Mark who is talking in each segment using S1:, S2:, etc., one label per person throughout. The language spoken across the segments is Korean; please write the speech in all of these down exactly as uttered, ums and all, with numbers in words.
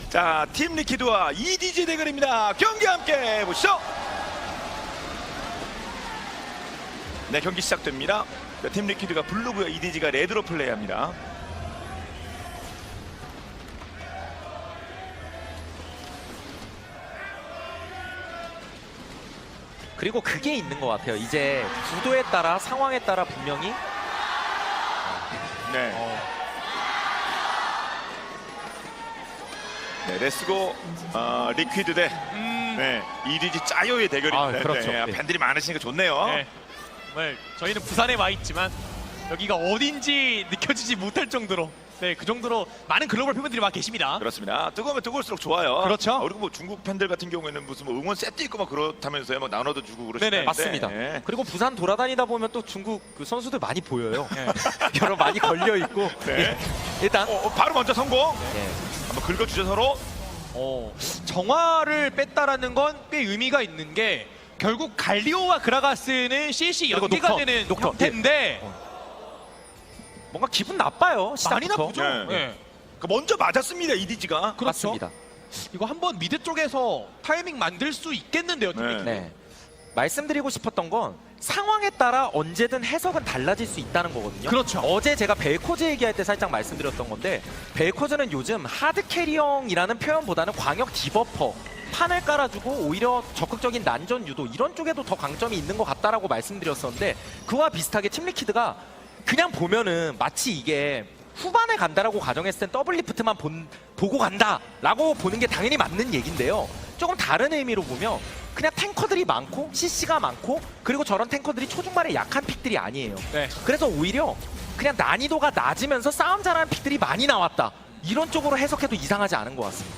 S1: 자, 팀 리퀴드와 이디지 대결입니다. 경기 함께 보시죠. 네, 경기 시작됩니다. 팀 리퀴드가 블루고요, 이디지가 레드로 플레이합니다.
S2: 그리고 그게 있는 것 같아요. 이제 구도에 따라 상황에 따라 분명히
S1: 네.
S2: 어,
S1: 네, 레츠고 어, 리퀴드 대
S3: 음,
S1: 네, 이디지 짜요의 대결입니다.
S2: 아, 그렇죠.
S1: 네,
S2: 네.
S1: 팬들이 많으시니까 좋네요.
S3: 네. 정말 저희는 부산에 와 있지만 여기가 어딘지 느껴지지 못할 정도로 네, 그 정도로 많은 글로벌 팬분들이 와 계십니다.
S1: 그렇습니다. 뜨거우면 뜨거울수록 좋아요.
S3: 그렇죠.
S1: 아, 그리고 뭐 중국 팬들 같은 경우에는 무슨 뭐 응원 세트 있고 막 그렇다면서요. 막 나눠도 주고 그러시는데.
S3: 네네,
S2: 맞습니다.
S1: 네.
S2: 그리고 부산 돌아다니다 보면 또 중국 그 선수들 많이 보여요.
S3: 네.
S2: 여러 많이 걸려 있고
S1: 네.
S2: 일단
S1: 어, 어, 바로 먼저 성공.
S2: 예.
S1: 한번 긁어주죠 서로.
S3: 어, 정화를 뺐다라는 건 꽤 의미가 있는 게 결국 갈리오와 그라가스는 씨씨
S2: 그리고
S3: 연계가
S2: 녹턴,
S3: 되는
S2: 녹턴.
S3: 형태인데
S2: 뭔가 기분 나빠요.
S3: 많이
S2: 시작부터.
S3: 나쁘죠.
S1: 네.
S3: 네.
S1: 그 먼저 맞았습니다 이디지가.
S3: 그렇죠.
S2: 맞습니다.
S3: 이거 한번 미드 쪽에서 타이밍 만들 수 있겠는데요. 팀
S1: 네.
S3: 리퀴드.
S2: 네. 말씀드리고 싶었던 건 상황에 따라 언제든 해석은 달라질 수 있다는 거거든요.
S3: 그렇죠.
S2: 어제 제가 벨코즈 얘기할 때 살짝 말씀드렸던 건데 벨코즈는 요즘 하드 캐리형이라는 표현보다는 광역 디버퍼 판을 깔아주고 오히려 적극적인 난전 유도 이런 쪽에도 더 강점이 있는 것 같다라고 말씀드렸었는데 그와 비슷하게 팀 리퀴드가 그냥 보면은 마치 이게 후반에 간다라고 가정했을 땐 더블 리프트만 본, 보고 간다라고 보는 게 당연히 맞는 얘기인데요. 조금 다른 의미로 보면 그냥 탱커들이 많고 씨씨가 많고 그리고 저런 탱커들이 초중반에 약한 픽들이 아니에요.
S3: 네.
S2: 그래서 오히려 그냥 난이도가 낮으면서 싸움 잘하는 픽들이 많이 나왔다. 이런 쪽으로 해석해도 이상하지 않은 것 같습니다.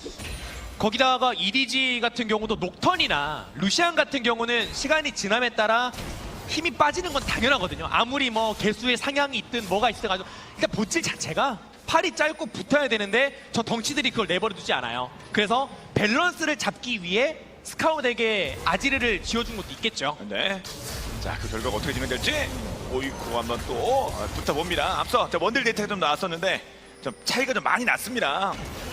S3: 거기다가 이디지 같은 경우도 녹턴이나 루시안 같은 경우는 시간이 지남에 따라 힘이 빠지는 건 당연하거든요. 아무리 뭐 개수의 상향이 있든 뭐가 있든 가지고 일단 본질 자체가 팔이 짧고 붙어야 되는데 저 덩치들이 그걸 내버려 두지 않아요. 그래서 밸런스를 잡기 위해 스카웃에게 아지르를 지어준 것도 있겠죠.
S1: 네. 자, 그 결과가 어떻게 진행될지 오이쿠 한번 또 아, 붙어봅니다. 앞서 자, 원딜 데이터가 좀 나왔었는데 좀 차이가 좀 많이 났습니다.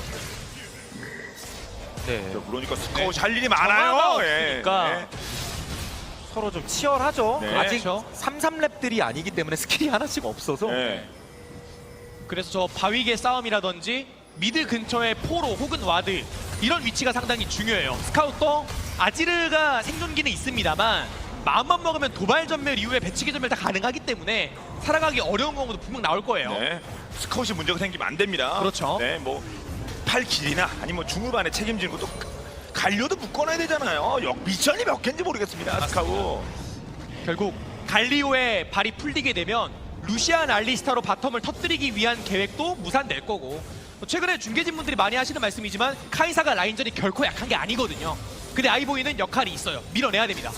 S2: 네.
S1: 자, 그러니까 스코어
S3: 네.
S1: 할 일이
S3: 정화가
S1: 많아요. 예.
S3: 없으니까.
S1: 네.
S2: 서로 좀 치열하죠.
S1: 네.
S2: 아직
S3: 그렇죠.
S2: 삼, 삼 렙들이 아니기 때문에 스킬이 하나씩 없어서
S1: 네.
S3: 그래서 저 바위계 싸움이라든지 미드 근처의 포로 혹은 와드 이런 위치가 상당히 중요해요. 스카웃도 아지르가 생존기는 있습니다만 마음만 먹으면 도발 전멸 이후에 배치기 전멸 다 가능하기 때문에 살아가기 어려운 경우도 분명 나올 거예요.
S1: 네. 스카웃이 문제가 생기면 안 됩니다.
S3: 그렇죠.
S1: 네, 뭐 팔 길이나 아니면 뭐 중후반에 책임지는 것도 갈려도 묶어놔야 되잖아요. 역 미션이 몇 개인지 모르겠습니다. 스카웃.
S3: 결국 갈리오의 발이 풀리게 되면 루시안 알리스타로 바텀을 터뜨리기 위한 계획도 무산될 거고 최근에 중계진분들이 많이 하시는 말씀이지만 카이사가 라인전이 결코 약한 게 아니거든요. 근데 아이보이는 역할이 있어요. 밀어내야 됩니다.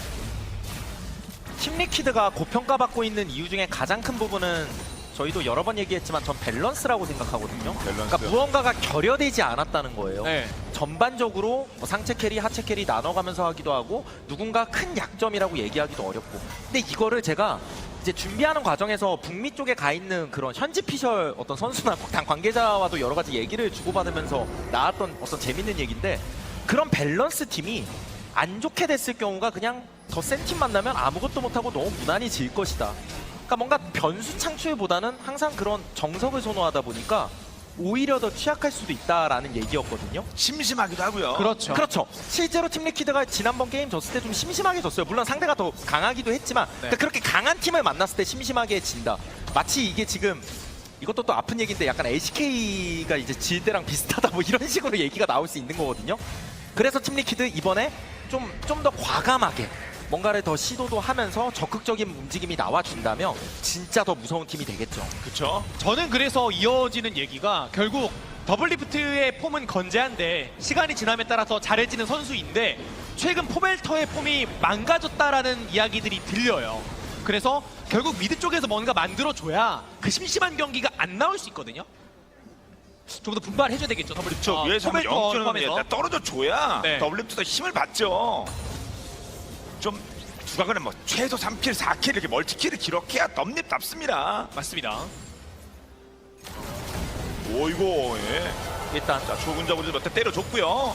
S2: 팀 리퀴드가 고평가받고 있는 이유 중에 가장 큰 부분은 저희도 여러 번 얘기했지만 전 밸런스라고 생각하거든요.
S1: 밸런스.
S2: 그러니까 무언가가 결여되지 않았다는 거예요.
S3: 네.
S2: 전반적으로 뭐 상체 캐리, 하체 캐리 나눠가면서 하기도 하고 누군가 큰 약점이라고 얘기하기도 어렵고 근데 이거를 제가 이제 준비하는 과정에서 북미 쪽에 가 있는 그런 현지 피셜 어떤 선수나 당 관계자와도 여러 가지 얘기를 주고받으면서 나왔던 어떤 재밌는 얘기인데 그런 밸런스 팀이 안 좋게 됐을 경우가 그냥 더 센 팀 만나면 아무것도 못하고 너무 무난히 질 것이다. 그러니까 뭔가 변수 창출보다는 항상 그런 정석을 선호하다 보니까 오히려 더 취약할 수도 있다라는 얘기였거든요.
S1: 심심하기도 하고요.
S3: 그렇죠.
S2: 그렇죠. 실제로 팀 리퀴드가 지난번 게임 졌을 때 좀 심심하게 졌어요. 물론 상대가 더 강하기도 했지만
S3: 네.
S2: 그러니까 그렇게 강한 팀을 만났을 때 심심하게 진다. 마치 이게 지금 이것도 또 아픈 얘기인데 약간 엘씨케이가 이제 질 때랑 비슷하다 뭐 이런 식으로 얘기가 나올 수 있는 거거든요. 그래서 팀 리퀴드 이번에 좀 좀 더 과감하게 뭔가를 더 시도도 하면서 적극적인 움직임이 나와준다면 진짜 더 무서운 팀이 되겠죠.
S1: 그렇죠.
S3: 저는 그래서 이어지는 얘기가 결국 더블리프트의 폼은 건재한데 시간이 지남에 따라서 잘해지는 선수인데 최근 포벨터의 폼이 망가졌다라는 이야기들이 들려요. 그래서 결국 미드 쪽에서 뭔가 만들어줘야 그 심심한 경기가 안 나올 수 있거든요. 좀 더 분발해줘야 되겠죠. 더블리프트.
S1: 저 위에서 한번
S3: 포벨터
S1: 영점을
S3: 포함해서.
S1: 떨어져 줘야
S3: 네.
S1: 더블리프트가 힘을 받죠. 좀 두각은 뭐 최소 삼 킬, 사 킬 이렇게 멀티킬을 기록해야 덤립답습니다.
S3: 맞습니다.
S1: 오이고 예.
S2: 일단
S1: 자, 좁은 적으로 몇 대 때려줬고요.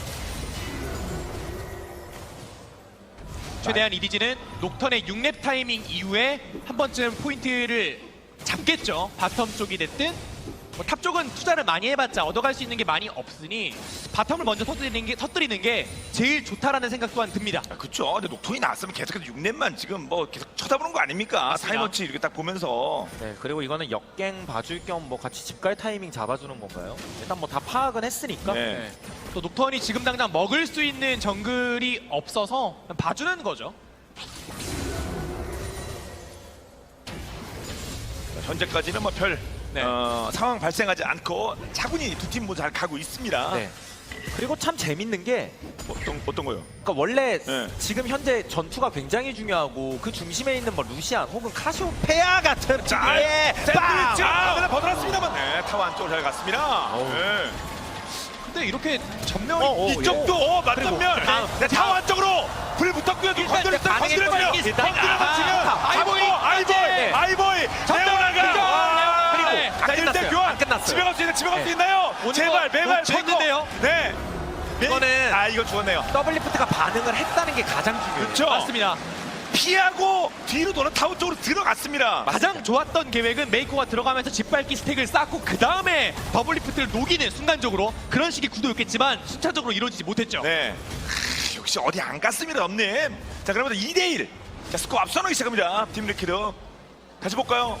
S3: 최대한 이디지는 녹턴의 육 렙 타이밍 이후에 한 번쯤 포인트를 잡겠죠. 바텀 쪽이 됐든 뭐 탑 쪽은 투자를 많이 해봤자 얻어갈 수 있는 게 많이 없으니 바텀을 먼저 터뜨리는 게, 터뜨리는 게 제일 좋다라는 생각 또한 듭니다.
S1: 아, 그쵸. 근데 녹톤이 나왔으면 계속해서 육 렙만 지금 뭐 계속 쳐다보는 거 아닙니까?
S3: 맞습니다.
S1: 타이머치 이렇게 딱 보면서.
S2: 네, 그리고 이거는 역갱 봐줄 겸 뭐 같이 집갈 타이밍 잡아주는 건가요? 일단 뭐 다 파악은 했으니까.
S1: 네.
S2: 네.
S3: 또 녹턴이 지금 당장 먹을 수 있는 정글이 없어서 그냥 봐주는 거죠.
S1: 현재까지는 뭐 별
S3: 네.
S1: 어, 상황 발생하지 않고 차분히 두 팀 모두 잘 가고 있습니다.
S2: 네. 그리고 참 재밌는 게
S1: 어떤 어떤 거요?
S2: 그러니까 원래
S1: 네.
S2: 지금 현재 전투가 굉장히 중요하고 그 중심에 있는 뭐 루시안 혹은 카시오페아 같은
S1: 자,
S2: 예, 빵!
S1: 샌드위치 아, 버텨놨습니다만, 네, 타워 안쪽으로 잘 갔습니다.
S2: 어우.
S1: 네.
S3: 근데 이렇게 전면
S2: 어, 어,
S1: 이쪽도 어, 맞전면.
S2: 다음.
S1: 네, 타워 안쪽으로 불 붙었고요.
S2: 일단
S1: 건드렸어요.
S2: 반응했거든요.
S1: 건드렸어요.
S2: 일단
S1: 건드려서 지금
S2: 아,
S1: 아이보이, 아이보이,
S2: 네.
S1: 아이보이, 레오나가.
S2: 그리고
S1: 자,
S2: 안
S1: 일 대
S2: 끝났어요.
S1: 교환.
S2: 안 끝났어요.
S1: 집에 갈 수 있는 집에 갈 수
S2: 네.
S1: 있나요?
S3: 오늘
S1: 제발,
S3: 거
S1: 매발,
S3: 쳤는데요?
S1: 메이커. 네. 메-
S2: 이거는-
S1: 아, 이거 죽었네요.
S2: 더블리프트가 반응을 했다는 게 가장 중요해요.
S1: 그렇죠.
S3: 맞습니다.
S1: 피하고 뒤로 도는 타워 쪽으로 들어갔습니다.
S3: 가장 좋았던 계획은 메이커가 들어가면서 짓밟기 스택을 쌓고 그 다음에 더블리프트를 녹이는 순간적으로 그런 식의 구도였겠지만 순차적으로 이루어지지 못했죠.
S1: 네. 크, 역시 어디 안 갔습니다, 엄님. 자, 그러면 이 대 일. 자, 스코어 앞서나기 시작합니다. 팀 리퀴드. 다시 볼까요?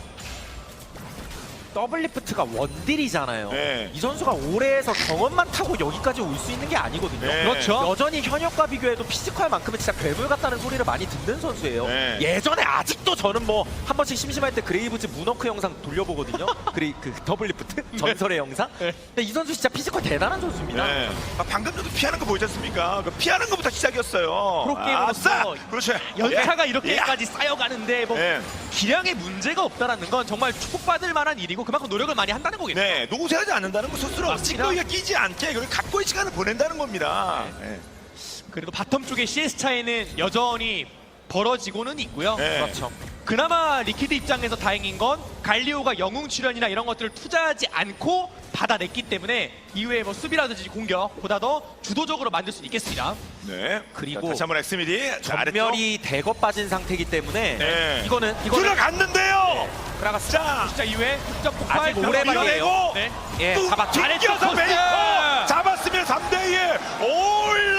S2: 더블리프트가 원딜이잖아요.
S1: 네.
S2: 이 선수가 올해에서 경험만 타고 여기까지 올 수 있는 게 아니거든요.
S1: 네.
S3: 그렇죠.
S2: 여전히 현역과 비교해도 피지컬만큼은 진짜 괴물 같다는 소리를 많이 듣는 선수예요.
S1: 네.
S2: 예전에 아직도 저는 뭐 한 번씩 심심할 때 그레이브즈 문워크 영상 돌려보거든요. 그레이 그 더블리프트 전설의 영상.
S3: 네.
S2: 근데 이 선수 진짜 피지컬 대단한 선수입니다.
S1: 네. 아, 방금 전도 피하는 거 보이지 않습니까? 그 피하는 것부터 시작이었어요.
S3: 프로게이머로서
S1: 아싸! 그렇죠.
S3: 연차가
S1: 예.
S3: 이렇게까지 쌓여가는데 뭐
S1: 예.
S3: 기량에 문제가 없다라는 건 정말 축복받을 만한 일이고 그만큼 노력을 많이 한다는 거겠죠.
S1: 네, 노고세하지 않는다는 거 스스로
S3: 맞습니다.
S1: 찌꺼기가 끼지 않게 그걸 각고의 시간을 보낸다는 겁니다. 네.
S3: 그래도 바텀 쪽의 씨에스 차이는 여전히 벌어지고는 있고요.
S1: 네.
S2: 그렇죠.
S3: 그나마 리퀴드 입장에서 다행인 건 갈리오가 영웅 출연이나 이런 것들을 투자하지 않고 받아냈기 때문에 이후에 뭐 수비라든지 공격보다 더 주도적으로 만들 수 있겠습니다.
S1: 네.
S2: 그리고
S1: 자, 다시 한번 엑스미디. 자, 아래쪽.
S2: 전멸이 대거 빠진 상태이기 때문에
S1: 네.
S2: 이거는 이거는
S1: 들어갔는데요.
S2: 그라가스
S1: 자,
S3: 진짜 이후에 득점 폭발
S2: 아직 오래만이에요.
S1: 밀어내고
S3: 네.
S2: 예,
S1: 뚝
S2: 잡았죠.
S1: 튕겨서
S3: 코스.
S1: 메이커 잡았으면 삼 대 이 올레.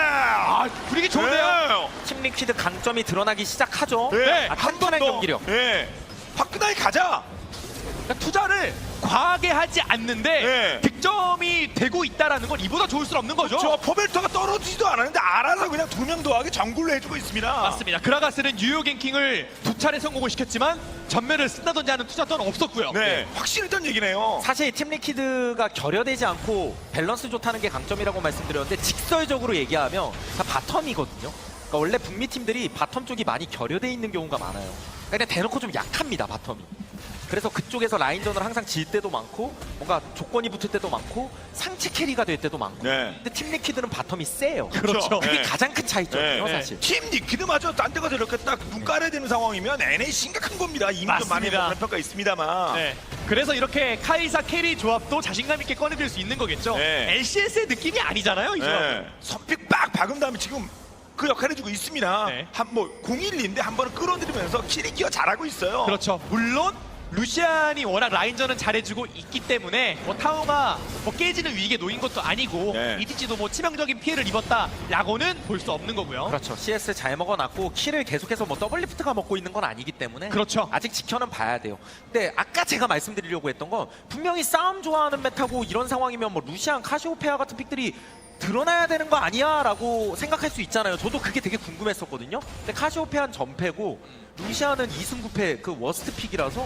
S3: 아, 분위기 좋은데요.
S2: 팀 리퀴드 강점이 드러나기 시작하죠.
S1: 네.
S2: 아,
S1: 한
S2: 탄탄한
S1: 번 더.
S2: 경기력.
S1: 네. 화끈하게 가자.
S3: 그러니까 투자를 과하게 하지 않는데
S1: 네.
S3: 득점이 되고 있다라는 건 이보다 좋을 수 없는 거죠.
S1: 저 포벨터가 떨어지지도 않았는데 알아서 그냥 두 명 더하게 정굴로 해주고 있습니다.
S3: 맞습니다. 그라가스는 뉴욕 갱킹을 두 차례 성공을 시켰지만 전면을 쓴다든지 하는 투자 또는 없었고요.
S1: 네, 확실했던 얘기네요.
S2: 사실 팀 리퀴드가 결여되지 않고 밸런스 좋다는 게 강점이라고 말씀드렸는데 직설적으로 얘기하면 다 바텀이거든요. 그러니까 원래 북미 팀들이 바텀 쪽이 많이 결여돼 있는 경우가 많아요. 그러니까 그냥 대놓고 좀 약합니다, 바텀이. 그래서 그쪽에서 라인전을 항상 질 때도 많고 뭔가 조건이 붙을 때도 많고 상체 캐리가 될 때도 많고.
S1: 네.
S2: 근데 팀 리퀴드는 바텀이 세요.
S3: 그렇죠.
S2: 그게
S1: 네.
S2: 가장 큰 차이점이에요,
S1: 네.
S2: 사실.
S1: 팀 리퀴드마저 딴 데 가서 이렇게 딱 눈 깔아야 되는 상황이면 엔에이 심각한 겁니다. 이미 좀 많이
S3: 맞습니다.
S1: 그런 평가 있습니다만.
S3: 네. 그래서 이렇게 카이사 캐리 조합도 자신감 있게 꺼내들 수 있는 거겠죠.
S1: 네.
S3: 엘씨에스의 느낌이 아니잖아요, 이 조합은.
S1: 네. 선픽 빡 박은 다음에 지금 그 역할을 해주고 있습니다.
S3: 네.
S1: 한 뭐 공일인데 한 번은 끌어들이면서 키리키가 잘하고 있어요.
S3: 그렇죠. 물론 루시안이 워낙 라인전은 잘해주고 있기 때문에 뭐 타워가 뭐 깨지는 위기에 놓인 것도 아니고
S1: 네.
S3: 이디지도 뭐 치명적인 피해를 입었다라고는 볼 수 없는 거고요.
S2: 그렇죠. 씨에스 잘 먹어놨고 킬을 계속해서 뭐 더블리프트가 먹고 있는 건 아니기 때문에
S3: 그렇죠.
S2: 아직 지켜는 봐야 돼요. 근데 아까 제가 말씀드리려고 했던 건 분명히 싸움 좋아하는 메타고 이런 상황이면 뭐 루시안, 카시오페아 같은 픽들이 드러나야 되는 거 아니야? 라고 생각할 수 있잖아요. 저도 그게 되게 궁금했었거든요. 근데 카시오페아는 전패고 루시안은 이승 구패 그 워스트 픽이라서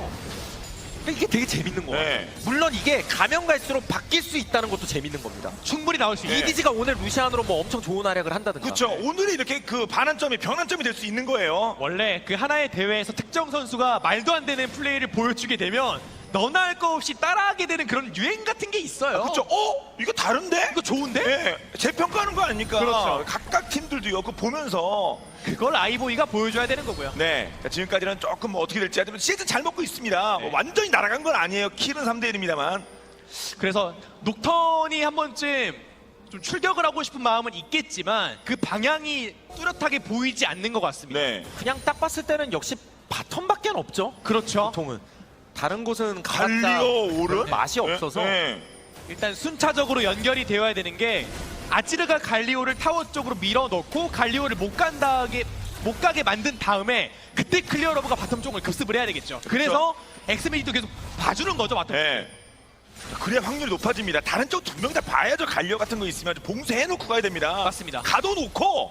S2: 이게 되게 재밌는 거예요.
S1: 네.
S2: 물론 이게 가면 갈수록 바뀔 수 있다는 것도 재밌는 겁니다.
S3: 충분히 나올 수
S1: 네.
S3: 있는.
S2: 이디지가 오늘 루시안으로 뭐 엄청 좋은 활약을 한다든가.
S1: 그렇죠. 오늘이 이렇게 그 반환점이 변환점이 될 수 있는 거예요.
S3: 원래 그 하나의 대회에서 특정 선수가 말도 안 되는 플레이를 보여주게 되면 너나 할 거 없이 따라하게 되는 그런 유행 같은 게 있어요.
S1: 그렇죠. 어? 이거 다른데?
S3: 이거 좋은데?
S1: 네. 재평가하는 거 아닙니까?
S3: 그렇죠.
S1: 각각 팀들도요. 그거 보면서
S3: 그걸 아이보이가 보여줘야 되는 거고요.
S1: 네. 자, 지금까지는 조금 뭐 어떻게 될지 하지만 시즌 잘 먹고 있습니다.
S3: 네.
S1: 뭐 완전히 날아간 건 아니에요. 킬은 삼 대 일입니다만.
S3: 그래서 녹턴이 한 번쯤 좀 출격을 하고 싶은 마음은 있겠지만 그 방향이 뚜렷하게 보이지 않는 것 같습니다.
S1: 네.
S2: 그냥 딱 봤을 때는 역시 바텀밖에 없죠.
S3: 그렇죠.
S2: 보통은 다른 곳은 가봤자
S1: 갈리오 오른
S2: 맛이 없어서
S1: 네.
S3: 일단 순차적으로 연결이 되어야 되는 게 아지르가 갈리오를 타워 쪽으로 밀어넣고 갈리오를 못 간다게 못 가게 만든 다음에 그때 클리어러브가 바텀 쪽을 급습을 해야 되겠죠. 그래서 엑스미디도 계속 봐주는 거죠, 바텀.
S1: 네. 그래야 확률이 높아집니다. 다른 쪽 두 명 다 봐야죠. 갈려 같은 거 있으면 봉쇄해놓고 가야 됩니다.
S3: 맞습니다.
S1: 가둬놓고.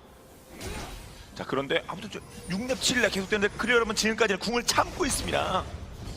S1: 자 그런데 아무튼 저 육 렙 칠 렙 계속되는데 클리어 여러분 지금까지는 궁을 참고 있습니다.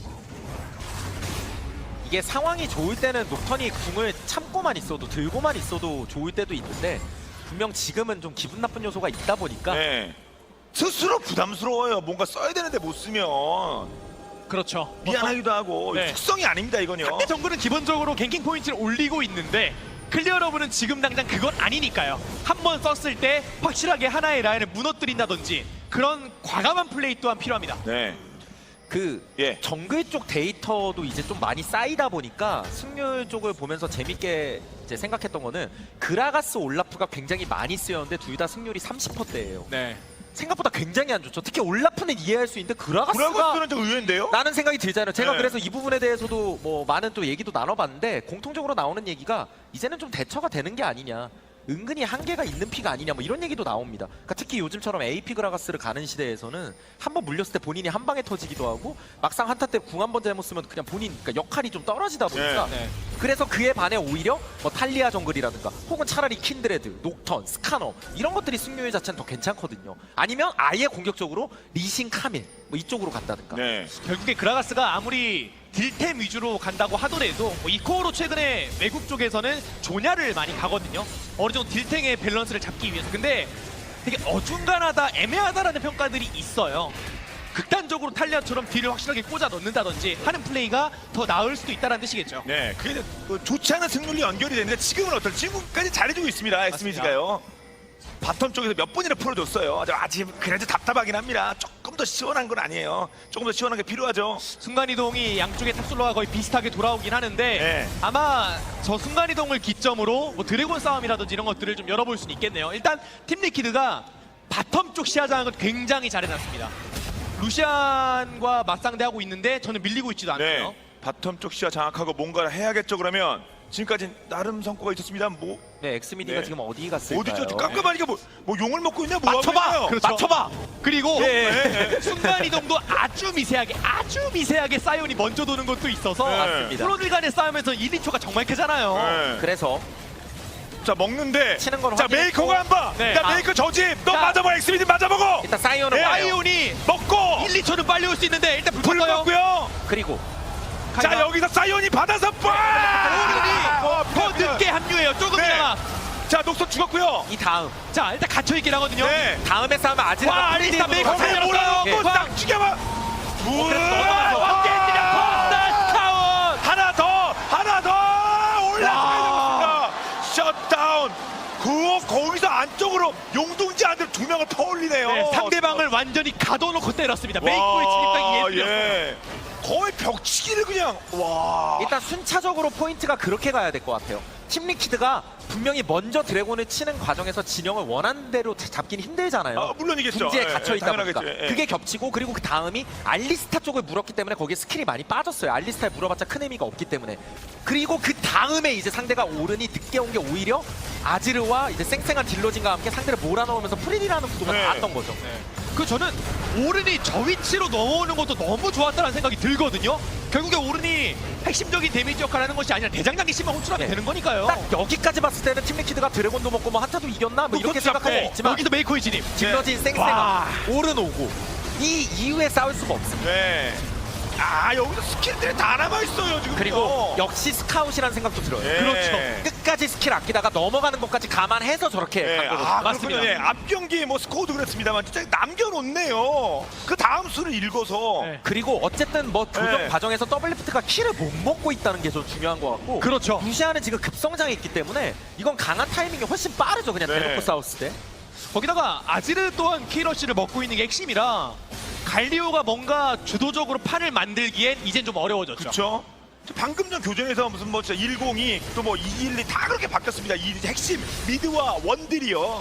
S2: 이게 상황이 좋을 때는 녹턴이 궁을 참고만 있어도 들고만 있어도 좋을 때도 있는데 분명 지금은 좀 기분 나쁜 요소가 있다 보니까
S1: 네. 스스로 부담스러워요. 뭔가 써야 되는데 못 쓰면
S3: 그렇죠.
S1: 미안하기도 하고
S3: 네.
S1: 숙성이 아닙니다 이건요.
S3: 상대 정글은 기본적으로 갱킹 포인트를 올리고 있는데 클리어러브는 지금 당장 그건 아니니까요. 한 번 썼을 때 확실하게 하나의 라인을 무너뜨린다든지 그런 과감한 플레이 또한 필요합니다.
S1: 네.
S2: 그
S1: 예.
S2: 정글 쪽 데이터도 이제 좀 많이 쌓이다 보니까 승률 쪽을 보면서 재밌게 이제 생각했던 거는 그라가스 올라프가 굉장히 많이 쓰였는데 둘 다 승률이 삼십 퍼센트대예요.
S3: 네.
S2: 생각보다 굉장히 안 좋죠. 특히 올라프는 이해할 수 있는데 그라가스가
S1: 브라거스는 좀 의외인데요.
S2: 라는 생각이 들잖아요. 제가
S1: 네.
S2: 그래서 이 부분에 대해서도 뭐 많은 또 얘기도 나눠봤는데 공통적으로 나오는 얘기가 이제는 좀 대처가 되는 게 아니냐. 은근히 한계가 있는 피가 아니냐 뭐 이런 얘기도 나옵니다. 그러니까 특히 요즘처럼 에이피 그라가스를 가는 시대에서는 한 번 물렸을 때 본인이 한 방에 터지기도 하고 막상 한타 때 궁 한 번 잘못 쓰면 그냥 본인 그러니까 역할이 좀 떨어지다 보니까
S3: 네.
S2: 그래서 그에 반해 오히려 뭐 탈리아 정글이라든가 혹은 차라리 킨드레드, 녹턴, 스카너 이런 것들이 승률 자체는 더 괜찮거든요. 아니면 아예 공격적으로 리신, 카밀 뭐 이쪽으로 간다든가.
S1: 네.
S3: 결국에 그라가스가 아무리 딜템 위주로 간다고 하더라도 뭐 이코어로 최근에 외국 쪽에서는 조냐를 많이 가거든요. 어느 정도 딜템의 밸런스를 잡기 위해서. 근데 되게 어중간하다, 애매하다라는 평가들이 있어요. 극단적으로 탈리아처럼 딜을 확실하게 꽂아 넣는다든지 하는 플레이가 더 나을 수도 있다는 뜻이겠죠.
S1: 네. 그게 뭐 좋지 않은 승률이 연결이 되는데 지금은 어떨지 지금까지 잘해주고 있습니다. 엑스미지가요. 바텀 쪽에서 몇 번이나 풀어줬어요. 아직 그래도 답답하긴 합니다. 조금 더 시원한 건 아니에요. 조금 더 시원한 게 필요하죠.
S3: 순간이동이 양쪽의 탑솔로가 거의 비슷하게 돌아오긴 하는데
S1: 네.
S3: 아마 저 순간이동을 기점으로 뭐 드래곤 싸움이라든지 이런 것들을 좀 열어볼 수는 있겠네요. 일단 팀 리퀴드가 바텀 쪽 시야 장악을 굉장히 잘해놨습니다. 루시안과 맞상대하고 있는데 저는 밀리고 있지도 않고요.
S1: 네. 바텀 쪽 시야 장악하고 뭔가를 해야겠죠. 그러면 지금까지 나름 성과가 있었습니다. 뭐
S2: 네, 엑스미디가
S1: 네.
S2: 지금 어디 갔을까요?
S1: 어디죠? 깜깜하니까 뭐, 뭐 용을 먹고 있냐? 뭐
S3: 맞춰봐!
S1: 하고 있나요?
S3: 그렇죠. 맞춰봐! 그리고
S1: 예.
S3: 순간이동도 아주 미세하게 아주 미세하게 사이온이 먼저 도는 것도 있어서
S1: 네.
S2: 맞습니다.
S3: 프로들 간의 싸움에서 일, 이 초가 정말 크잖아요.
S1: 네.
S2: 그래서
S1: 자 먹는데
S2: 치는 건
S1: 자
S2: 확인했고.
S1: 메이커가 한 방.
S3: 네.
S1: 자
S3: 아.
S1: 메이커 저집. 너
S3: 자.
S1: 맞아봐. 엑스미디 맞아보고.
S2: 일단 사이온은
S1: 예,
S2: 와요.
S3: 사이온이
S1: 먹고
S3: 일, 이 초는 빨리 올 수 있는데 일단 불
S1: 불
S3: 껐어요.
S1: 먹고요.
S2: 그리고
S1: 자 여기서 사이온이 받아서 빠.
S3: 오른이 더 늦게 합류해요. 조금이나마.
S1: 자 녹선 죽었고요.
S2: 이 다음
S3: 자 일단 갇혀있긴 하거든요.
S1: 네.
S2: 다음에 싸우면
S3: 와,
S2: 아지르가
S3: 알리스타
S2: 프리딜으로
S3: 메이커
S2: 가요.
S3: 잘
S1: 거기에
S3: 잡았어요.
S1: 몰아넣고
S3: 예.
S1: 딱 죽여봐.
S3: 그래서 넘어가서 함께 했느냐. 콘다타운.
S1: 하나 더 하나 더 올라가야 됩니다. 셧다운. 그 거기서 안쪽으로 용둥지 안들 두 명을 퍼올리네요.
S3: 네, 상대방을 완전히 가둬놓고 때렸습니다. 메이커의 진입각이 예술이었어요.
S1: 예. 거의 벽치기를 그냥 와.
S2: 일단 순차적으로 포인트가 그렇게 가야 될 것 같아요. 팀 리퀴드가 분명히 먼저 드래곤을 치는 과정에서 진영을 원하는 대로 잡긴 힘들잖아요.
S1: 아, 물론이겠죠.
S2: 궁지에
S1: 예,
S2: 갇혀
S1: 예,
S2: 있다 보니까
S1: 당연하겠죠. 예.
S2: 그게 겹치고 그리고 그 다음이 알리스타 쪽을 물었기 때문에 거기에 스킬이 많이 빠졌어요. 알리스타에 물어봤자 큰 의미가 없기 때문에. 그리고 그 다음에 이제 상대가 오른이 늦게 온 게 오히려 아지르와 이제 쌩쌩한 딜러진과 함께 상대를 몰아넣으면서 프리디라는 구도가
S1: 네.
S2: 나왔던 거죠.
S3: 그 저는 오른이 저 위치로 넘어오는 것도 너무 좋았다는 생각이 들거든요. 결국에 오른이 핵심적인 데미지 역할을 하는 것이 아니라 대장장이 심한 호출하면
S2: 네.
S3: 되는 거니까요.
S2: 딱 여기까지 봤을 때는 팀 리퀴드가 드래곤도 먹고 뭐 한타도 이겼나 뭐 이렇게
S1: 그것도
S2: 생각할 수
S1: 잡고.
S2: 있지만
S3: 여기서 메이커의 진입.
S2: 딜러진
S3: 네. 와.
S2: 쌩쌩한 오른 오고 이 이후에 싸울 수가 없습니다.
S1: 네. 아 여기서 스킬들이 다 남아 있어요 지금.
S2: 그리고 역시 스카웃이라는 생각도 들어요.
S1: 예.
S3: 그렇죠.
S2: 끝까지 스킬 아끼다가 넘어가는 것까지 감안해서 저렇게
S1: 예.
S2: 간 거거든요.
S1: 아
S3: 맞습니다.
S1: 그렇군요. 예. 앞 경기 뭐 스코어도 그랬습니다만 진짜 남겨놓네요. 그 다음 수를 읽어서.
S3: 네.
S2: 그리고 어쨌든 뭐 조정
S1: 네.
S2: 과정에서 더블리프트가 킬을 못 먹고 있다는 게 좀 중요한 것 같고
S3: 그렇죠.
S2: 루시아는 지금 급성장에 있기 때문에 이건 강한 타이밍이 훨씬 빠르죠. 그냥
S1: 네.
S2: 대놓고 싸웠을 때.
S3: 거기다가 아지르 또한 키러쉬를 먹고 있는 게 핵심이라 갈리오가 뭔가 주도적으로 판을 만들기엔 이젠 좀 어려워졌죠.
S1: 그렇죠. 방금 전 교전에서 무슨 뭐 진짜 백이 또 뭐 이백십이 다 그렇게 바뀌었습니다. 이 핵심 미드와 원딜이요.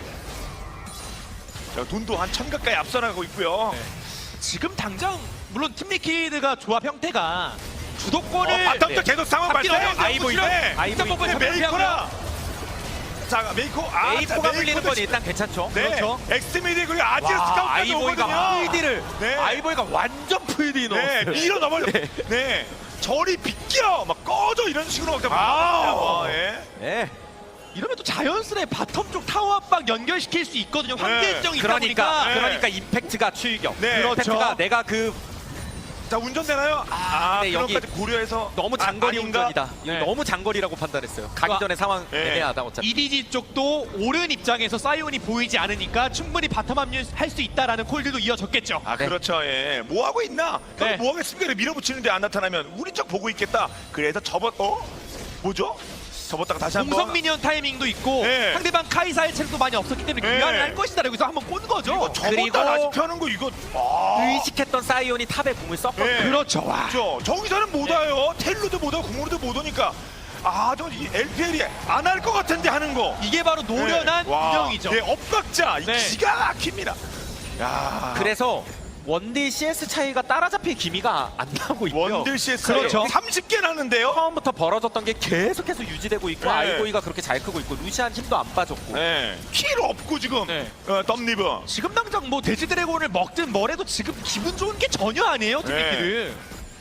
S1: 자, 돈도 한 천 가까이 앞서 나가고 있고요.
S3: 네. 지금 당장 물론 팀리퀴드가 조합 형태가 주도권을
S1: 어, 바텀도
S3: 네.
S1: 계속 상황
S3: 잡기
S1: 발생.
S3: 어려운 아이보이네.
S2: 아이보이.
S3: 아이보이
S1: 메이커라. 자, 메이커. 아,
S2: 에이포가
S1: 자,
S2: 물리는 건
S1: 메이커도
S2: 일단 괜찮죠.
S1: 네.
S3: 그렇죠.
S1: 엑스미디 그리고 아지스
S2: 와,
S1: 스카우트까지
S2: 아이보이가
S1: 오거든요.
S2: 풀디를
S1: 네.
S2: 아이보이가 완전 풀디
S1: 네,
S2: 넣었어요.
S1: 밀어 넘어요.
S2: 네.
S1: 네. 저리 비껴 막 꺼져 이런 식으로 막
S2: 아.
S1: 아, 예.
S2: 네.
S3: 이러면 또 자연스레 바텀 쪽 타워 압박 연결시킬 수 있거든요. 환경정이 있다
S2: 그러니까
S3: 보니까.
S1: 네.
S2: 그러니까 임팩트가 추이격.
S1: 네.
S2: 임팩트가
S3: 그렇죠.
S2: 내가 그
S1: 자, 운전되나요? 아,
S2: 네,
S1: 그런
S2: 여기
S1: 것까지 고려해서
S2: 너무
S1: 아,
S2: 장거리
S1: 아닌가?
S2: 운전이다. 이거
S3: 네.
S2: 너무 장거리라고 판단했어요. 가기
S3: 그거-
S2: 전에 상황
S1: 네.
S2: 애매하다 어차피.
S3: 이디지 쪽도 오른 입장에서 사이온이 보이지 않으니까 충분히 바텀 합류할 수 있다라는 콜들도 이어졌겠죠.
S1: 아,
S2: 네.
S1: 그렇죠. 예. 뭐 하고 있나? 그럼
S3: 네.
S1: 뭐 하겠습니까? 이렇게 밀어붙이는데 안 나타나면 우리 쪽 보고 있겠다. 그래서 접었 어? 뭐죠? 접었다가 다시 한번
S3: 공성 미니언 타이밍도 있고
S1: 네.
S3: 상대방 카이사의 체력도 많이 없었기 때문에
S1: 네.
S3: 교환을 할 것이다. 여기서 한번 꼰 거죠.
S1: 이거 접었다
S2: 그리고-
S1: 다시 펴는 거 이거 아.
S2: 의식했던 사이온이 탑에 공을 썼거든요.
S1: 네.
S3: 그렇죠. 와.
S1: 그렇죠. 저기서는 못
S3: 네.
S1: 와요. 텔로도 못 와요. 공으로도 못 오니까 아, 저 엘피엘이 안 할 것 같은데 하는 거.
S3: 이게 바로 노련한
S1: 네. 와.
S3: 운영이죠.
S1: 네, 엇박자. 이
S3: 네.
S1: 기가 막힙니다. 야.
S2: 그래서 원딜 씨에스 차이가 따라잡힐 기미가 안 나고 있고요.
S1: 원딜 씨에스
S3: 그렇죠.
S1: 삼십 개 나는데요.
S2: 처음부터 벌어졌던 게 계속해서 유지되고 있고
S1: 네.
S2: 아이보이가 그렇게 잘 크고 있고 루시안 힘도 안 빠졌고.
S1: 네. 필요 없고 지금.
S3: 네.
S1: 어, 덤리브.
S3: 지금 당장 뭐 돼지 드래곤을 먹든 뭐래도 지금 기분 좋은 게 전혀 아니에요,
S1: 네.
S3: 팀리퀴드.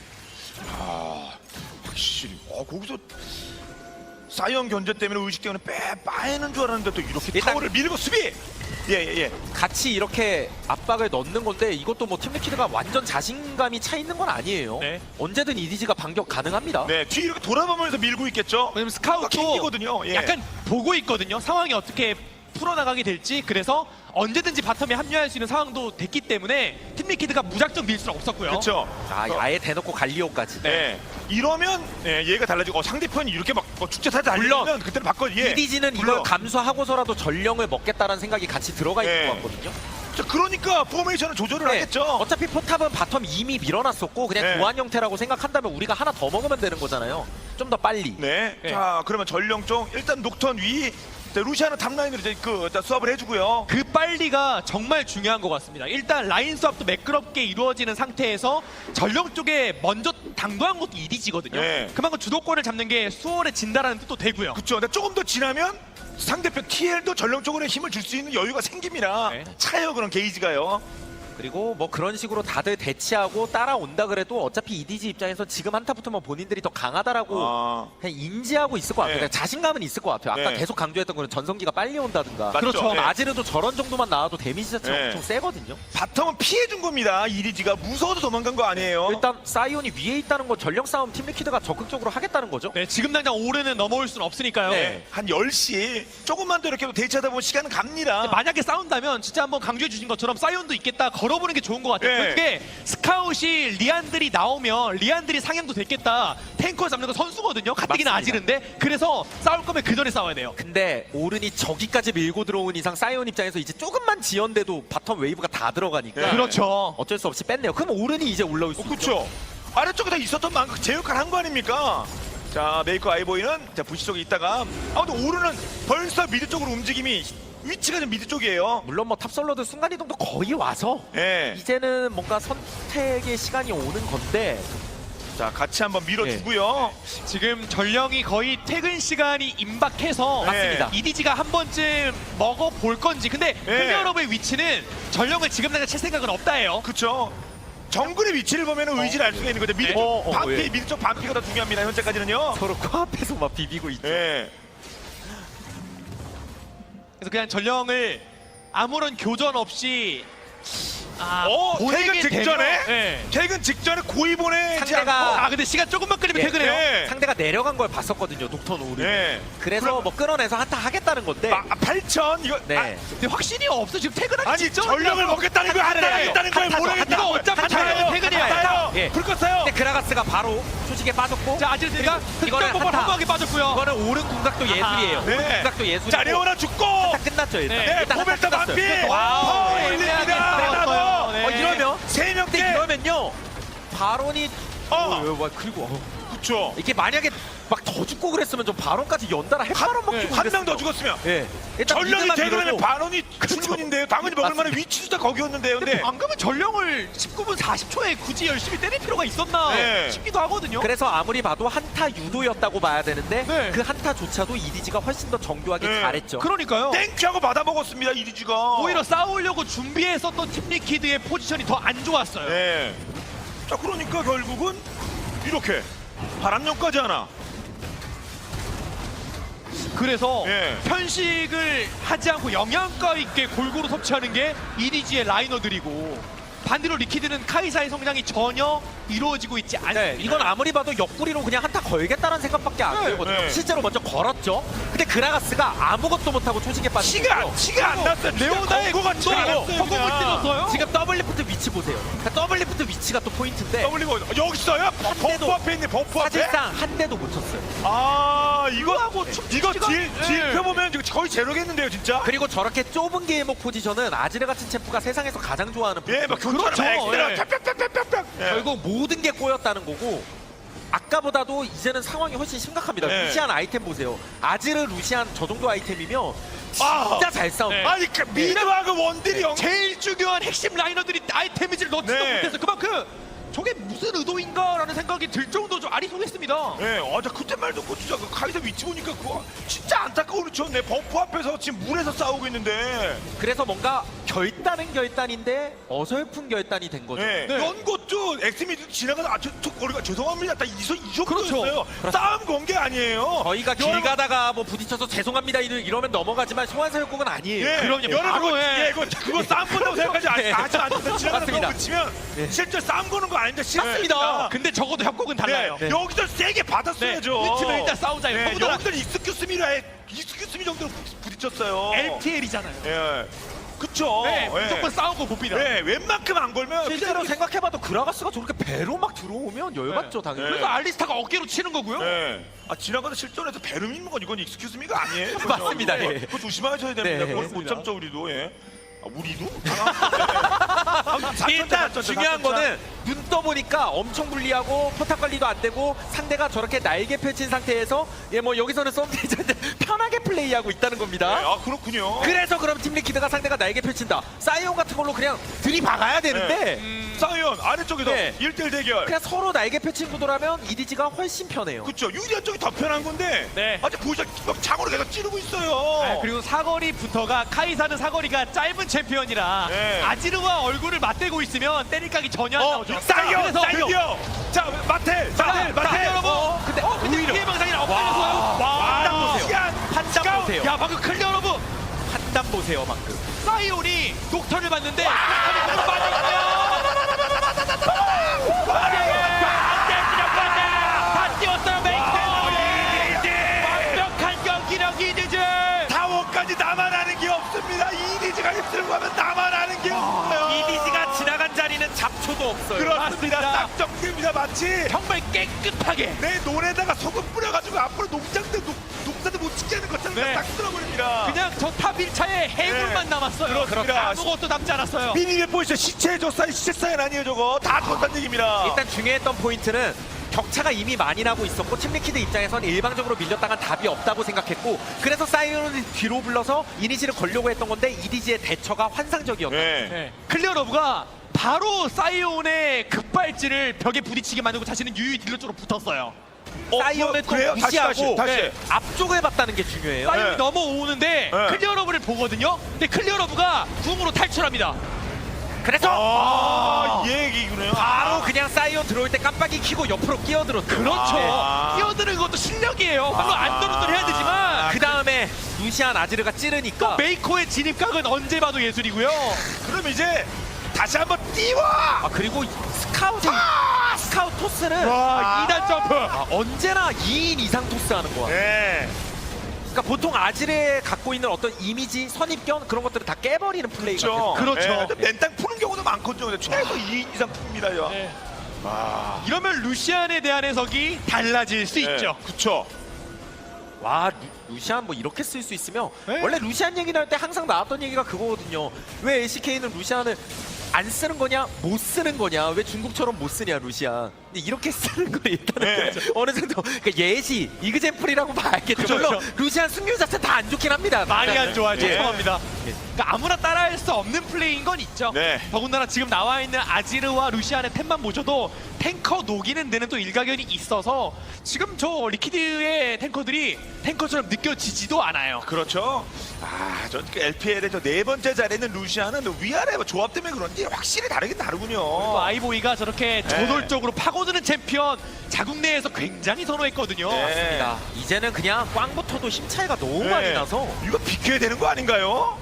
S1: 아, 확실히. 어, 거기서 사이언 견제 때문에 의식 때문에 빼 빠이는 줄 알았는데 또 이렇게
S2: 일단-
S1: 타워를 밀고 수비. 예, 예, 예.
S2: 같이 이렇게 압박을 넣는 건데 이것도 뭐 팀리키드가 완전 자신감이 차 있는 건 아니에요.
S3: 네.
S2: 언제든 이디지가 반격 가능합니다.
S1: 네, 뒤 이렇게 돌아보면서 밀고 있겠죠.
S3: 왜냐면 스카우트도
S1: 킹이거든요. 예.
S3: 약간 보고 있거든요. 상황이 어떻게 풀어나가게 될지. 그래서 언제든지 바텀에 합류할 수 있는 상황도 됐기 때문에 팀리퀴드가 무작정 밀 수는 없었고요.
S1: 그렇죠.
S2: 아, 아예 대놓고 갈리오까지.
S1: 네. 이러면 예, 얘가 달라지고 어, 상대편이 이렇게 막 어, 축제 사자
S2: 물론
S1: 달리면 그때는 바꿔. 예.
S2: 이디지는
S1: 물론.
S2: 이걸 감수하고서라도 전령을 먹겠다는 생각이 같이 들어가 있는
S1: 네.
S2: 것 같거든요.
S1: 자, 그러니까 포메이션을 조절을
S2: 네.
S1: 하겠죠.
S2: 어차피 포탑은 바텀 이미 밀어놨었고 그냥
S1: 네.
S2: 교환 형태라고 생각한다면 우리가 하나 더 먹으면 되는 거잖아요. 좀 더 빨리.
S1: 네.
S3: 네.
S1: 자, 그러면 전령 쪽 일단 녹턴 위. 자, 루시아는 탑라인으로 이제 그 일단 수업을 해주고요.
S3: 그 빨리가 정말 중요한 것 같습니다. 일단 라인 수업도 매끄럽게 이루어지는 상태에서 전령 쪽에 먼저 당도한 것도 이디지거든요.
S1: 네.
S3: 그만큼 주도권을 잡는 게 수월해진다라는 뜻도 되고요.
S1: 그렇죠. 근데 조금 더 지나면 상대편 티엘도 전령 쪽으로 힘을 줄 수 있는 여유가 생깁니다.
S3: 네.
S1: 차요 그런 게이지가요.
S2: 그리고 뭐 그런 식으로 다들 대치하고 따라온다 그래도 어차피 이디지 입장에서 지금 한타 붙으면 본인들이 더 강하다라고
S1: 아,
S2: 그냥 인지하고 있을 것 같아요.
S1: 네.
S2: 그냥 자신감은 있을 것 같아요. 아까
S1: 네.
S2: 계속 강조했던 거는 전성기가 빨리 온다든가.
S1: 맞죠.
S2: 그렇죠.
S1: 네.
S2: 아지르도 저런 정도만 나와도 데미지 자체가
S1: 네.
S2: 엄청 세거든요.
S1: 바텀은 피해준 겁니다. 이리지가 무서워서 도망간 거 아니에요.
S2: 일단 사이온이 위에 있다는 건 전령 싸움 팀리퀴드가 적극적으로 하겠다는 거죠.
S3: 네, 지금 당장 오르는 넘어올 수는 없으니까요.
S2: 네.
S1: 한 열 시 조금만 더 이렇게 대치하다 보면 시간은 갑니다.
S3: 만약에 싸운다면 진짜 한번 강조해 주신 것처럼 사이온도 있겠다 걸어보는 게 좋은 것 같아요.
S1: 네.
S3: 그게 스카웃이 리안들이 나오면 리안들이 상향도 됐겠다. 탱커 잡는 거 선수거든요. 가뜩이나
S2: 맞습니다.
S3: 아지른데 그래서 싸울 거면 그 전에 싸워야 돼요.
S2: 근데 오른이 저기까지 밀고 들어온 이상 사이온 입장에서 이제 조금만 지연돼도 바텀 웨이브가 다 들어가니까
S1: 네.
S3: 그렇죠.
S2: 어쩔 수 없이 뺐네요. 그럼 오른이 이제 올라올 수
S1: 어,
S2: 있죠.
S1: 그렇죠. 아래쪽에 다 있었던 만큼 제 역할 한 거 아닙니까? 자, 메이커 아이보이는 자 부시 쪽에 있다가 아 근데 오르는 벌써 미드 쪽으로 움직임이 위치가 좀 미드 쪽이에요.
S2: 물론 뭐 탑솔러드 순간이동도 거의 와서
S1: 예.
S2: 이제는 뭔가 선택의 시간이 오는 건데
S1: 자, 같이 한번 밀어주고요.
S3: 지금 전령이 거의 퇴근 시간이 임박해서
S1: 맞습니다.
S3: 이디지가 한 번쯤 먹어볼 건지. 근데
S1: 네.
S3: 클리어러브의 위치는 전령을 지금 당장 칠 생각은 없다예요.
S1: 그렇죠. 정글의 위치를 보면 의지를 알 수가 있는 거죠. 미드
S3: 네.
S1: 쪽
S2: 어, 어,
S1: 반피,
S2: 예.
S1: 미드 쪽 반피가 더 중요합니다. 현재까지는요.
S2: 서로 코앞에서 막 비비고 있죠.
S1: 예.
S3: 그래서 그냥 전령을 아무런 교전 없이 아,
S1: 어,
S3: 보내게
S1: 퇴근 직전에?
S3: 되면- 네.
S1: 퇴근 직전에 고의 보내지
S2: 상대가-
S1: 않고
S3: 아 근데 시간 조금만 끌리면
S2: 예.
S3: 퇴근해요.
S1: 네.
S2: 상대가 내려간 걸 봤었거든요. 녹턴 오른.
S1: 네.
S2: 그래서
S1: 그럼-
S2: 뭐 끌어내서 한타 하겠다는 건데.
S1: 아, 팔천 이거
S2: 네.
S1: 아,
S3: 근데 확신이 없어 지금 퇴근하기
S1: 아니
S3: 직전.
S1: 전력을 먹겠다는 거
S2: 한타를 해요.
S1: 한타를 했다는 걸
S2: 한타죠.
S1: 모르겠다.
S3: 이거 어차피
S1: 한타요.
S3: 퇴근이에요.
S1: 한타요.
S2: 예.
S1: 불 껐어요.
S2: 근데 그라가스가 바로 초식에 빠졌고.
S3: 자 아지르가
S2: 이거는
S3: 흑점 보고
S2: 한타.
S3: 한방에 빠졌고요.
S2: 이거는 오른 궁각도 예술이에요.
S3: 아하.
S2: 오른
S1: 네.
S2: 궁각도 예술이고.
S1: 자, 레오나 죽고.
S2: 한타 끝났죠 일단.
S3: 네.
S1: 네,
S2: 일단 한타
S1: 코벨타
S2: 끝났어요.
S1: 반피.
S2: 와우.
S1: 어,
S2: 네.
S1: 올립니다.
S3: 올렸어요. 네.
S2: 어 이러면
S1: 세
S2: 근데
S1: 명째.
S2: 이러면요 바론이
S1: 어.
S2: 어, 와, 그리고 어.
S1: 그렇죠.
S2: 이게 만약에 막 더 죽고 그랬으면 좀 발언까지 연달아 햇바람 먹기
S1: 한 명 더 죽었으면
S2: 예. 일단
S1: 전령이
S2: 미드만
S1: 되려면
S2: 밀어도
S1: 반원이 출근인데요. 당연히 먹을 만한
S2: 맞습니다.
S1: 위치도 다 거기였는데요.
S3: 근데
S1: 근데
S3: 방금은 전령을 십구 분 사십 초에 굳이 열심히 때릴 필요가 있었나
S1: 네.
S3: 싶기도 하거든요.
S2: 그래서 아무리 봐도 한타 유도였다고 봐야 되는데
S3: 네.
S2: 그 한타조차도 이디지가 훨씬 더 정교하게
S1: 네.
S2: 잘했죠.
S3: 그러니까요.
S1: 땡큐하고 받아 먹었습니다. 이리지가.
S3: 오히려 싸우려고 준비했었던 팀리퀴드의 포지션이 더 안 좋았어요.
S1: 네. 자 그러니까 결국은 이렇게 바람용까지 하나.
S3: 그래서
S1: 예.
S3: 편식을 하지 않고 영양가 있게 골고루 섭취하는 게 이디지의 라이너들이고 반대로 리퀴드는 카이사의 성장이 전혀 이루어지고 있지 않습니다.
S2: 네, 이건 아무리 봐도 옆구리로 그냥 한타 걸겠다는 생각밖에 안
S3: 네,
S2: 들거든요.
S1: 네.
S2: 실제로 먼저 걸었죠. 근데 그라가스가 아무것도 못하고 초식에 빠진
S1: 티가
S2: 거죠.
S1: 티가 안 났어요.
S3: 레오나의
S1: 거가
S3: 공도
S1: 티가 안 났어요.
S3: 허공을
S1: 그냥.
S3: 찔렀어요.
S2: 지금 더블리프트 위치 보세요. 그러니까 더블리프트 위치가 또 포인트인데
S1: 더블리고 여기 있어요. 버프
S2: 대도
S1: 앞에 있네. 버프 앞에.
S2: 사실상 한 대도 못 쳤어요.
S1: 아 이거
S3: 이거하고 춤추는
S1: 이거
S3: 시간-
S1: 딜
S3: 예.
S1: 딜 펴보면 지금 거의 제로겠는데요, 진짜.
S2: 그리고 저렇게 좁은 게임목 포지션은 아지르 같은 챔프가 세상에서 가장 좋아하는
S1: 예, 막
S2: 포지션.
S1: 그렇죠.
S3: 예.
S1: 뿅뿅뿅뿅뿅. 예.
S2: 결국 모든 게 꼬였다는 거고 아까보다도 이제는 상황이 훨씬 심각합니다.
S1: 네.
S2: 루시안 아이템 보세요. 아지르 루시안 저 정도 아이템이면 진짜
S1: 아.
S2: 잘 싸웁니다.
S3: 네.
S1: 아니 그 미드하고 원딜이 영.
S3: 제일 중요한 핵심 라이너들이 아이템 데미지를 넣지도
S1: 네.
S3: 못해서 그만큼 저게 무슨 의도인가라는 생각이 들 정도로 좀 아리송했습니다.
S1: 예, 아, 나 그때 말 듣고 진짜 그 카이사 위치 보니까 그거 진짜 안타까운 위치였네. 버프 앞에서 지금 물에서 싸우고 있는데.
S2: 그래서 뭔가 결단은 결단인데 어설픈 결단이 된 거죠.
S1: 예,
S3: 네.
S1: 이런 것도 엑스미드 지나가다 아, 저, 저 거리가 죄송합니다. 딱 이소 이 정도였어요.
S2: 그렇죠.
S1: 싸움 건 게 아니에요.
S2: 저희가 길
S1: 여러분,
S2: 가다가 뭐 부딪혀서 죄송합니다 이러- 이러면 넘어가지만 소환사역국은 아니에요.
S1: 예,
S3: 그럼요.
S1: 여러분
S3: 바로
S1: 그거,
S3: 해.
S1: 예, 그거, 그거 싸움 건다고 생각하지 아-
S2: 예.
S1: 아직 안 돼서 지나가는
S2: 맞습니다.
S1: 거 붙이면
S2: 예.
S1: 실제 싸움 거는 거 아닌데
S3: 맞습니다.
S1: 아,
S3: 근데 적어도 협곡은 달라요.
S1: 네, 여기서 세게 받았어야죠.
S3: 네, 이 팀은 일단 싸우자.
S1: 네,
S3: 형보다
S1: 여기들 익스큐스미라에 익스큐스미 정도로 부- 부딪혔어요.
S3: 엘피엘이잖아요.
S1: 예, 그쵸.
S3: 네,
S1: 예.
S3: 무조건 싸우고 봅니다.
S1: 네, 웬만큼 안 걸면
S2: 실제로
S1: 그냥-
S2: 생각해봐도 그라가스가 저렇게 배로 막 들어오면 열받죠
S3: 네.
S2: 당연히.
S3: 그래서 알리스타가 어깨로 치는 거고요.
S1: 네. 아 지나가다 실전에서 배를 믿는 건 이건 익스큐스미가 아니에요.
S2: 맞습니다,
S1: 그거,
S2: 예.
S1: 그거 조심하셔야 됩니다.
S2: 네.
S1: 그걸 못 참죠 우리도. 예. 아, 우리도? 아, 네.
S2: 일단
S1: 사천자,
S2: 중요한
S1: 사천자.
S2: 거는 눈 떠보니까 엄청 불리하고 포탑 관리도 안 되고 상대가 저렇게 날개 펼친 상태에서 예 뭐 여기서는 썸데이저인데 편하게 플레이하고 있다는
S1: 네,
S2: 겁니다.
S1: 아 그렇군요.
S2: 그래서 그럼 팀리키드가 상대가 날개 펼친다. 사이온 같은 걸로 그냥 들이박아야 되는데
S1: 사이언 아래쪽에서
S2: 네.
S1: 일 대일 대결.
S2: 그냥 서로 날개 펼친 구도라면 이디지가 훨씬 편해요.
S1: 그렇죠. 유리한 쪽이 더 편한 건데.
S3: 네.
S1: 아직 보시다 막 장으로 계속 찌르고 있어요.
S3: 네, 그리고 사거리부터가 카이사는 사거리가 짧은 챔피언이라
S1: 네.
S3: 아지르와 얼굴을 맞대고 있으면 때릴각이 전혀 안
S1: 어,
S3: 나오죠.
S1: 사이언,
S3: 그래서
S1: 드디어. 자, 마텔,
S3: 자,
S1: 마텔,
S3: 자,
S1: 마텔.
S3: 여러분.
S1: 어,
S3: 근데 어, 근데
S2: 오히려.
S3: 피해 방상이 엇갈려서요.
S1: 와,
S2: 판단 보세요.
S1: 시간,
S2: 판단
S1: 시간.
S2: 보세요.
S3: 야, 방금 클리어 러브
S2: 판단 보세요 방금.
S3: 사이온이 녹턴을 봤는데 녹턴이 너무 빠졌어요. 다 띄웠어요, 메이크. 완벽한 경기력 이디즈.
S1: 타워까지 나만 아는 게 없습니다. 이디지가 입술고 하면 나만 아는 게 없어요.
S2: 이디지가 지나간 자리는 잡초도 없어요.
S1: 그렇습니다.
S3: 맞습니다.
S1: 딱 정리입니다. 마치
S3: 정말 깨끗하게.
S1: 내 논에다가 소금 뿌려가지고 앞으로 농장들 녹, 농사도 못 짓게 하는 것처럼
S3: 네.
S1: 딱 쓸어버립니다.
S3: 그냥 저 탑 일 차에 해골만
S1: 네.
S3: 남았어요.
S1: 그렇습니다.
S3: 아무것도 남지 않았어요.
S1: 미니맵 보이시죠? 시체 조사인 시체 사인 아니에요 저거. 다 그렇다는 얘기입니다.
S2: 일단 중요했던 포인트는 격차가 이미 많이 나고 있었고 팀리키드 입장에선 일방적으로 밀렸다간 답이 없다고 생각했고 그래서 사이온을 뒤로 불러서 이니시를 걸려고 했던 건데 이디지의 대처가 환상적이었다.
S1: 네.
S3: 네. 클리어 러브가 바로 사이온의 급발진을 벽에 부딪히게 만들고 자신은 유유 딜러 쪽으로 붙었어요.
S1: 어,
S2: 사이온을
S1: 뭐,
S2: 또
S1: 그래요? 다시,
S2: 무시하고
S1: 다시, 다시.
S2: 네, 앞쪽을 봤다는 게 중요해요.
S3: 사이온이
S1: 네.
S3: 넘어오는데
S1: 네.
S3: 클리어 러브를 보거든요. 근데 클리어 러브가 궁으로 탈출합니다.
S2: 그래서
S1: 아, 이 얘기군요.
S2: 바로 그냥 사이온 들어올 때 깜빡이 켜고 옆으로 끼어들었죠.
S3: 그렇죠.
S1: 아.
S3: 끼어드는 것도 실력이에요. 물론 안도로도 해야 되지만
S2: 그 다음에 루시안 아지르가 찌르니까
S3: 메이커의 진입각은 언제 봐도 예술이고요.
S1: 그럼 이제 다시 한번 띄워.
S2: 아 그리고 스카우트 스카우트 토스는
S1: 와,
S3: 이 단 점프.
S2: 아, 언제나 이 인 이상 토스하는 거야.
S1: 네.
S2: 그러니까 보통 아지르에 갖고 있는 어떤 이미지, 선입견 그런 것들을 다 깨버리는 플레이가
S1: 그렇죠.
S2: 돼요.
S3: 그렇죠.
S1: 네, 근데 맨땅 푸는 경우도 많거든요. 근데 최소 이 인 이상 풉니다. 요.
S3: 네.
S1: 아,
S3: 이러면 루시안에 대한 해석이 달라질 수 있죠.
S1: 그렇죠.
S2: 와 루, 루시안 뭐 이렇게 쓸 수 있으면
S3: 네.
S2: 원래 루시안 얘기 나올 때 항상 나왔던 얘기가 그거거든요. 왜 엘씨케이는 루시안을 안 쓰는 거냐, 못 쓰는 거냐, 왜 중국처럼 못 쓰냐 루시안. 근데 이렇게 쓰는 거 일단은
S1: 네.
S2: 어느 정도 그러니까 예시, 이그젠플이라고 봐야겠죠.
S3: 그쵸,
S2: 물론
S3: 그쵸.
S2: 루시안 승률 자체 다 안 좋긴 합니다.
S3: 많이 안 좋아요.
S1: 예.
S3: 죄송합니다. 그러니까 아무나 따라할 수 없는 플레이인 건 있죠.
S1: 네.
S3: 더군다나 지금 나와 있는 아지르와 루시안의 템만 보셔도 탱커 녹이는 데는 또 일가견이 있어서 지금 저 리퀴드의 탱커들이 탱커처럼 느껴지지도 않아요.
S1: 그렇죠. 아, 저 엘피엘의 저 네 번째 자리에 있는 루시아는 위아래 조합 때문에 그런지 확실히 다르긴 다르군요.
S3: 또 아이보이가 저렇게 저돌적으로 파고드는 챔피언 자국 내에서 굉장히 선호했거든요.
S1: 네.
S2: 야, 이제는 그냥 꽝부터도 힘 차이가 너무
S1: 네.
S2: 많이 나서
S1: 이거 비켜야 되는 거 아닌가요?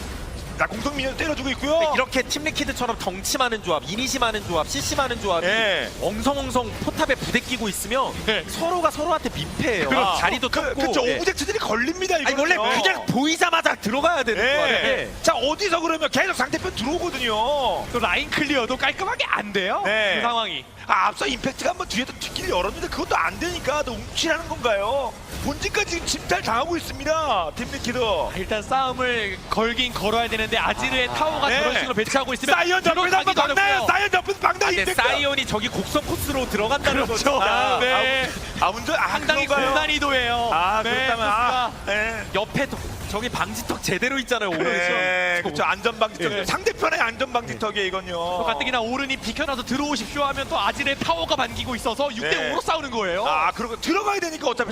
S1: 자, 공성민이 때려주고 있고요.
S2: 이렇게 팀리퀴드처럼 덩치 많은 조합, 이니시 많은 조합, 씨씨 많은 조합이
S1: 네.
S2: 엉성엉성 포탑에 부대끼고 있으면
S3: 네.
S2: 서로가 서로한테 민폐예요.
S1: 그렇죠.
S2: 자리도
S1: 그,
S2: 좁고.
S1: 그렇죠.
S2: 네.
S1: 오브젝트들이 걸립니다. 이거
S2: 아니 원래 그냥 보이자마자 들어가야 되는
S1: 네.
S2: 거예요.
S1: 자, 어디서 그러면 계속 상대편 들어오거든요.
S3: 또 라인 클리어도 깔끔하게 안 돼요.
S1: 네.
S3: 그 상황이.
S1: 아, 앞서 임팩트가 한번 뒤에도 뒷길을 열었는데 그것도 안 되니까 또 움찔하는 건가요? 본진까지 지금 침탈 당하고 있습니다. 팀리키드.
S3: 일단 싸움을 걸긴 걸어야 되는데 아지르의
S2: 아,
S3: 타워가
S1: 네.
S3: 저런 식으로 배치하고 있으면
S1: 사이언 옆에서 한번
S3: 들어가기도
S1: 막나요?
S3: 어렵고요.
S1: 사이언 옆에서 막나
S2: 근데
S1: 임팩트.
S2: 사이온이 저기 곡선 코스로 들어간다는
S3: 그렇죠.
S2: 거죠.
S3: 아, 네.
S1: 아, 운전 아,
S3: 상당히
S1: 그런가요?
S3: 공단 이도예요.
S1: 아,
S3: 네,
S1: 그렇다면 아,
S3: 코스가.
S1: 네.
S2: 옆에 도, 저기 방지턱 제대로 있잖아요. 오른쪽.
S1: 네, 그렇죠. 안전방지턱.
S3: 네.
S1: 상대편의 안전방지턱이에요, 이건요.
S3: 또 가뜩이나 오른이 비켜나서 들어오십시오 하면 또 아지르의 타워가 반기고 있어서 육 대 오로
S1: 네.
S3: 싸우는 거예요.
S1: 아, 그리고 들어가야 되니까 어차피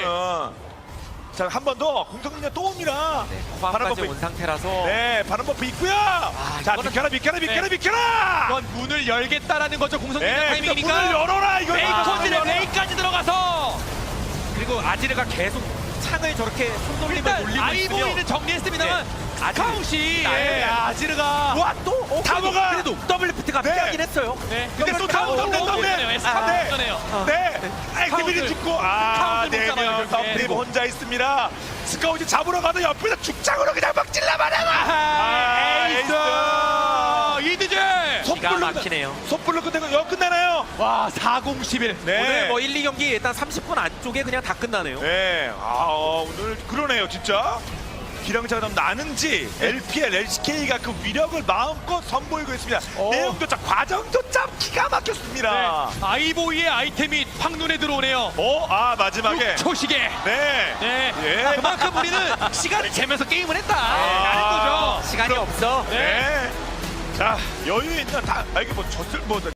S1: 사이언은. 자, 한 번 더. 공성민이 또 옵니다.
S2: 네,
S1: 바람
S2: 코앞까지
S1: 버프.
S2: 온 상태라서
S1: 네, 바람 버프 있고요. 자,
S2: 이거는-
S1: 비켜라, 비켜라, 비켜라,
S3: 네.
S1: 비켜라.
S3: 이건 문을 열겠다라는 거죠. 공성민의
S1: 네,
S3: 타이밍이니까.
S1: 문을 열어라, 이거.
S3: 레이콘즈의 레이까지 들어가서
S2: 그리고 아지르가 계속 창을 저렇게 손돌림을
S3: 일단
S2: 돌리고
S3: 아이보이는
S2: 있으면
S3: 정리했습니다만
S2: 네.
S3: 스카웃이
S2: 네.
S3: 예, 아지르가
S2: 와 또? 어,
S1: 타워가!
S2: 그래도 더블 리프트가
S1: 네.
S2: 필요하긴 했어요.
S3: 네.
S1: 근데 또
S3: 스카웃
S1: 다운, 다운, 다운,
S3: 오전에요.
S1: 다운.
S3: 스카웃
S1: 네.
S3: 오전에요.
S1: 네, 액티비티
S3: 스카웃을-
S1: 죽고 아,
S3: 스카웃을 못
S1: 네
S3: 잡아요,
S1: 명
S3: 결국에.
S1: 썸프림 혼자 있습니다. 스카웃이 잡으러 가도 옆에서 죽창으로 그냥 막 찔러버려라.
S3: 아, 에이스 이드제
S2: 기가 막히네요.
S1: 섣불로 끝내고 여 끝나나요?
S3: 와 사공십일
S1: 네.
S2: 오늘 뭐 일, 이 경기 일단 삼십 분 안쪽에 그냥 다 끝나네요.
S1: 네, 아 어, 오늘 그러네요, 진짜. 기량차가 좀 나는지 엘피엘, 엘씨케이가 그 위력을 마음껏 선보이고 있습니다.
S3: 어.
S1: 내용도 참, 과정도 참 기가 막혔습니다.
S3: 네. 아이보이의 아이템이 확 눈에 들어오네요.
S1: 어, 아 마지막에.
S3: 초시계.
S1: 네.
S3: 네.
S1: 예.
S3: 아, 그만큼 우리는 시간을 재면서 게임을 했다.
S1: 아.
S3: 라는 거죠.
S2: 시간이 없어.
S1: 네. 자, 여유 있는 다, 아, 이게 뭐 졌을 뭐.